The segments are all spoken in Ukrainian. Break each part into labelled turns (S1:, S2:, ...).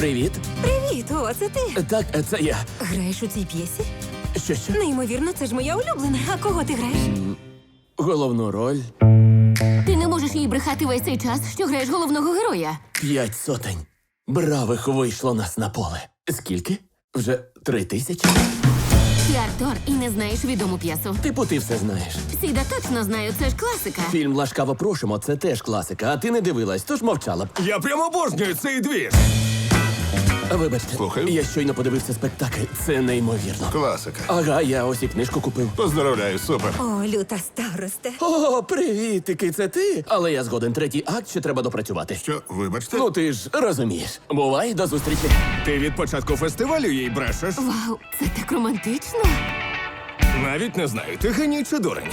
S1: Привіт.
S2: Привіт, о, це ти.
S1: Так, це я.
S2: Граєш у цій п'єсі?
S1: Що?
S2: Неймовірно, це ж моя улюблена. А кого ти граєш?
S1: Головну роль
S3: Ти не можеш їй брехати весь цей час, що граєш головного героя.
S1: 500. Бравих вийшло нас на поле. Скільки? Вже 3000?
S3: Ти актор і не знаєш відому п'єсу.
S1: Типу, ти все знаєш.
S3: Сіда точно знаю, це ж класика.
S1: Фільм «Ласкаво просимо» – це теж класика, а ти не дивилась, тож мовчала б.
S4: Я прямо обожнюю цей двіж.
S1: Вибачте,
S4: Слухаю.
S1: я щойно подивився спектакль. Це неймовірно.
S4: Класика.
S1: Ага, я ось і книжку купив.
S4: Поздравляю, супер.
S2: О, люта старосте.
S1: О, привітики, це ти? Але я згоден, третій акт ще треба допрацювати.
S4: Що, вибачте?
S1: Ну ти ж розумієш. Бувай, до зустрічі.
S4: Ти від початку фестивалю їй брешеш?
S3: Вау, це так романтично.
S4: Навіть не знаю, ти геній чи дурень.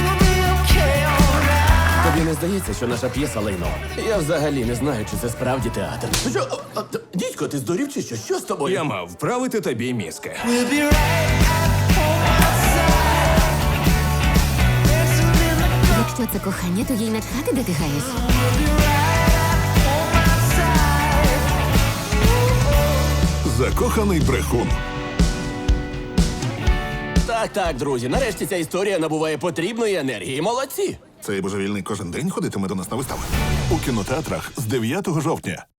S1: Тобі не здається, що наша п'єса лайно? Я взагалі не знаю, чи це справді театр. Що? Дідько, ти здурів чи що? Що з тобою?
S4: Я мав вправити тобі мізки.
S3: Якщо це кохання, то їй начхати, де ти граєш.
S4: Закоханий брехун.
S1: Так, друзі, нарешті ця історія набуває потрібної енергії. Молодці!
S4: Цей божевільний кожен день ходитиме до нас на вистави. У кінотеатрах з 9 жовтня.